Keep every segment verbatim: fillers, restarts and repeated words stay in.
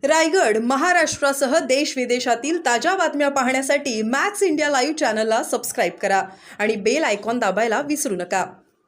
रायगड महाराष्ट्रासह देश विदेशातील ताज्या बातम्या पाहण्यासाठी मॅक्स इंडिया लाईव्ह चॅनलला सबस्क्राईब करा आणि बेल आयकॉन दाबायला विसरू नका।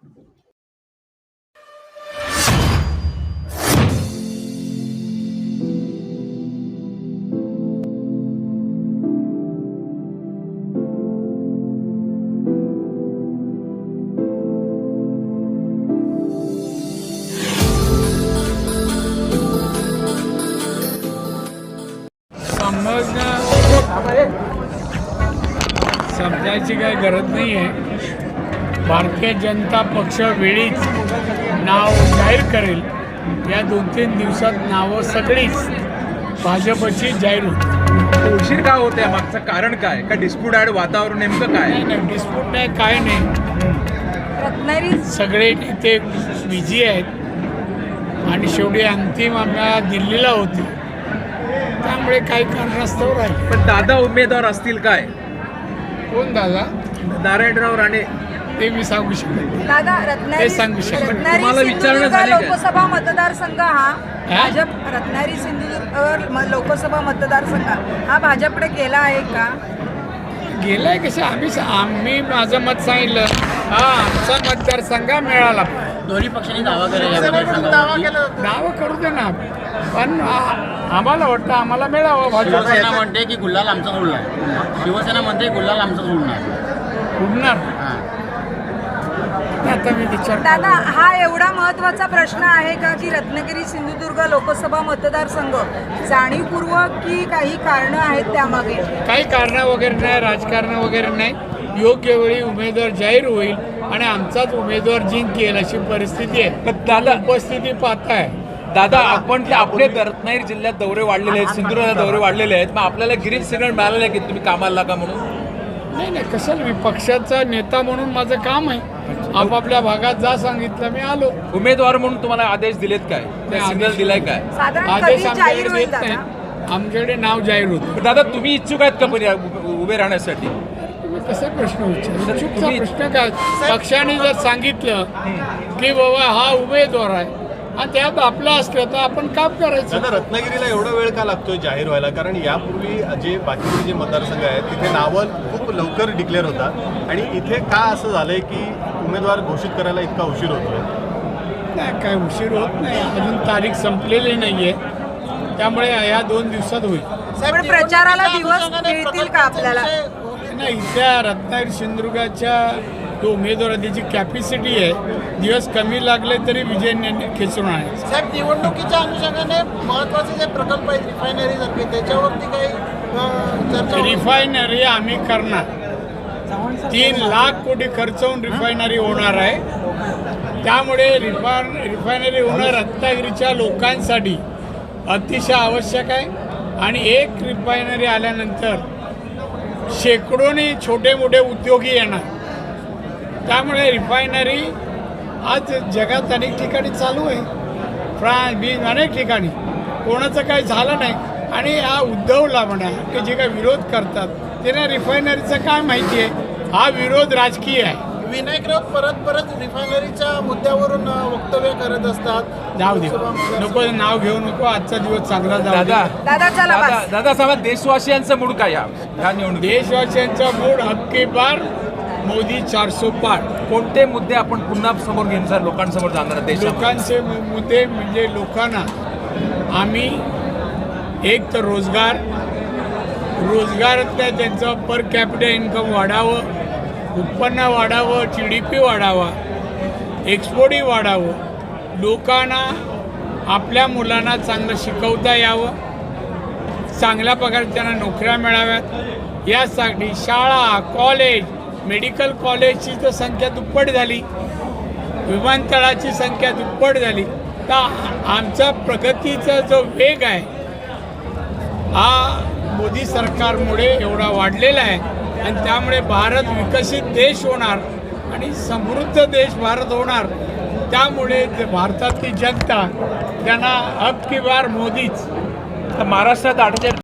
समजायची काही गरज नाही आहे। भारतीय जनता पक्ष वेळीच नाव जाहीर करेल। या दोन तीन दिवसात नावं सगळीच भाजपची जाहीर होती। उशीर का होते, मागचं कारण काय? का डिस्प्यूट आहे, वातावरण नेमकं काय? नाही नाही डिस्प्यूट नाही, काय नाही। सगळे नेते बिझी आहेत आणि शेवटी अंतिम आम्हाला दिल्लीला होती, त्यामुळे काही कारणास्तव राहील। पण दादा उमेदवार असतील काय? कोण दादा? नारायणराव राणे। ते मी सांगू शकतो दादा रत्नागिरी ते सांगू शकतो। तुम्हाला विचारणं झाली का? लोकसभा मतदारसंघ हा भाजप रत्नागिरी सिंधुदुर्ग म- लोकसभा मतदारसंघ हा भाजपकडे गेला आहे का? गेलाय कसं? आम्ही आम्ही माझं मत सांगितलं, हा आमचा मतदारसंघ मिळाला। दोन्ही पक्षांनी दावा केला, नावं करू दे ना, पण आ- आम्हाला वाटतं आम्हाला मिळावं भाजप। शिवसेना म्हणते की गुल्हाल आमचा उडणार, शिवसेना म्हणते गुल्हाल आमचाच उडणार उडणार आता मी विचार दादा हा एवढा महत्त्वाचा प्रश्न आहे का की रत्नागिरी सिंधुदुर्ग लोकसभा मतदारसंघ जाणीवपूर्वक की काही कारणं आहेत त्यामागे? काही कारणं वगैरे नाही, राजकारण वगैरे नाही। योग्य वेळी उमेदवार जाहीर होईल आणि आमचाच उमेदवार जिंकेल अशी परिस्थिती आहे। दादा उपस्थिती पाहताय दादा आपण आपले रत्नागिरी जिल्ह्यात दौरे वाढलेले आहेत, सिंधुदुर्गला दौरे वाढलेले आहेत, मग आपल्याला ग्रीन सिग्नल मिळालेलं आहे की तुम्ही कामाला लागा म्हणून? नाही नाही कशाला, मी पक्षाचा नेता म्हणून माझं काम आहे। आपापल्या भागात जा सांगितलं, मी आलो। उमेदवार म्हणून तुम्हाला आदेश दिलेत काय? सिग्नल दिलाय काय? साधारण आदेश कधी आमच्याकडे जाहीर होईल देत दादा? नाही, आमच्याकडे नाव जाहीर होतं। दादा तुम्ही इच्छुक आहेत का पण या उ- उभे राहण्यासाठी? तुम्ही कसा प्रश्न विचार चुकीचा तुम्ही- प्रश्न काय? पक्षाने जर सांगितलं की बाबा हा उमेदवार आहे आणि त्यात आपलं असलं तर आपण काम करायचं। दादा रत्नागिरीला एवढा वेळ का लागतोय जाहीर व्हायला? कारण यापूर्वी जे बाकीचे जे मतदारसंघ आहेत तिथे नावं खूप लवकर डिक्लेअर होतात आणि इथे का असं झालंय की उमेदवार घोषित करायला इतका उशीर होतोय? नाही काय उशीर होत नाही, अजून तारीख संपलेली नाहीये, त्यामुळे या दोन दिवसात होईल। पण प्रचाराला दिवस मिळतील का आपल्याला? नाही, त्या रत्नागिरी सिंधुदुर्गाच्या जो उमेदवार त्याची कॅपॅसिटी आहे, दिवस कमी लागले तरी विजय ने- खेचून आहे। साहेब निवडणुकीच्या अनुषंगाने महत्वाचे जे प्रकल्प आहेत रिफायनरी सारखे त्याच्यावरती काही अं, चर्चा होईल? रिफायनरी आम्ही करणार, तीन लाख कोटी खर्च होऊन रिफायनरी होणार आहे। त्यामुळे रिफाय रिफायनरी होणं रत्नागिरीच्या लोकांसाठी अतिशय आवश्यक आहे आणि एक रिफायनरी आल्यानंतर शेकडोनी छोटे मोठे उद्योगी येणार। त्यामुळे रिफायनरी आज जगात अनेक ठिकाणी चालू आहे, फ्रान्स बीज अनेक ठिकाणी, कोणाचं काही झालं नाही। आणि हा उद्धवला म्हणा की जे काही विरोध करतात त्यांना रिफायनरीचं काय माहिती आहे? हा विरोध राजकीय आहे। विनायक राऊत परत परत रिफायनरीच्या मुद्द्यावरून अं, वक्तव्य करत असतात। जाऊ दे, नको नाव घेऊ नको, आजचा दिवस चांगला जाऊ दे। दादा दादा चला दादा बस. दादा सांगा देशवासियांचं मूड काय या ह्या निवडणुकीत? देशवासियांचा मूड हक्की बार, मोदी चारसो पार। कोणते मुद्दे आपण पुन्हा समोर घेऊन सर लोकांसमोर जाणार आहात देशात? लोकांचे मु- मुद्दे म्हणजे लोकांना आम्ही एक तर रोजगार रोजगारातल्या त्यांचं पर कॅपिटल इन्कम वाढावं, उत्पन्न वाढावं, जी डी पी वाढावा, एक्सपोर्टही वाढावं, लोकांना आपल्या मुलांना चांगलं शिकवता यावं, चांगल्या प्रकारे त्यांना नोकऱ्या मिळाव्यात, यासाठी शाळा, कॉलेज, मेडिकल कॉलेजची तर संख्या दुप्पट झाली, विमानतळाची संख्या दुप्पट झाली। तर आमचा प्रगतीचा जो वेग आहे हा मोदी सरकारमुळे एवढा वाढलेला आहे आणि त्यामुळे भारत विकसित देश होणार आणि समृद्ध देश भारत होणार। त्यामुळे जे भारतातली जनता त्यांना अब की बार मोदीच। महाराष्ट्रात अठ्ठेचाळीस